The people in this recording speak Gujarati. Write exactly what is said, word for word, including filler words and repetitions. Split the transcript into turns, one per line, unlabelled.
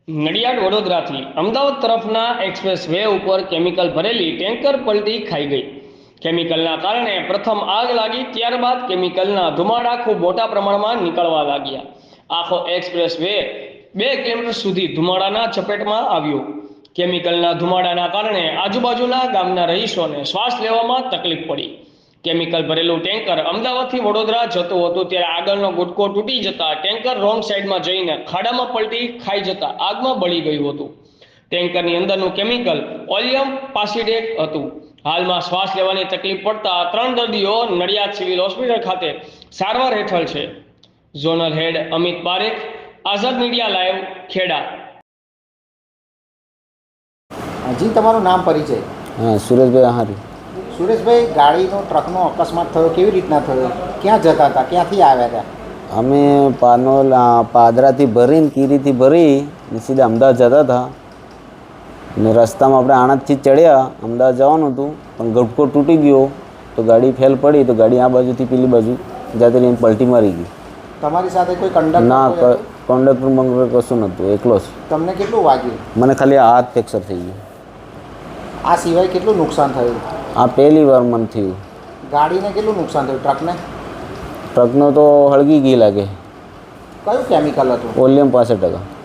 નડિયાદ વડોદરાથી અમદાવાદ તરફના એક્સપ્રેસ વે ઉપર કેમિકલ ભરેલી ટેન્કર પલટી ખાઈ ગઈ. કેમિકલના કારણે પ્રથમ આગ લાગી, ત્યારબાદ કેમિકલના ધુમાડા ખૂબ મોટા પ્રમાણમાં નીકળવા લાગ્યા. આખો એક્સપ્રેસ વે બે કિલોમીટર સુધી ધુમાડાના ચપેટમાં આવ્યો. કેમિકલના ધુમાડાના કારણે આજુબાજુના ગામના રહીશોને શ્વાસ લેવામાં તકલીફ પડી. કેમિકલ ભરેલું ટેન્કર અમદાવાદથી વડોદરા જતું હતું, ત્યારે આગળનો ગુટકો તૂટી જતા ટેન્કર રોંગ સાઈડમાં જઈને ખાડામાં પલટી ખાઈ જતા આગમાં બળી ગયું હતું. ટેન્કરની અંદરનું કેમિકલ ઓલિયમ પાસિડેટ હતું. હાલમાં શ્વાસ લેવાની તકલીફ પડતા ત્રણ દર્દીઓ નડિયાદ સિવિલ હોસ્પિટલ ખાતે સારવાર હેઠળ છે. Zonal head Amit Parekh, Azad media live, Kheda.
જી, તમારું નામ પરિચય?
હા, સુરેશભાઈ આહારી.
સુરેશભાઈ, ગાડીનો ટ્રકનો અકસ્માત થયો, કેવી રીતના થયો? ક્યાં જતા હતા, ક્યાંથી આવ્યા હતા?
અમે પાનોલ પાદરાથી ભરીને કીરીથી ભરી ને સીધા અમદાવાદ જતા હતા ને રસ્તામાં આપણે આણંદથી ચડ્યા, અમદાવાદ જવાનું હતું પણ ગટકો તૂટી ગયો તો ગાડી ફેલ પડી, તો ગાડી આ બાજુથી પેલી બાજુ જાતે લઈને પલટી મારી ગઈ.
તમારી સાથે કોઈ કંડક્ટર?
ના, કંડક્ટર બંડક્ટર કશું નહોતું, એકલો જ.
તમને કેટલું વાગ્યું?
મને ખાલી હાથ ફ્રેક્ચર થઈ ગયું.
આ સિવાય કેટલું નુકસાન થયું?
આ પહેલી વાર મને થયું.
ગાડીને કેટલું નુકસાન થયું? ટ્રકને?
ટ્રકનો તો હળગી ગઈ લાગે.
કયું કેમિકલ હતું?
ઓલિયમ પાસઠ ટકા.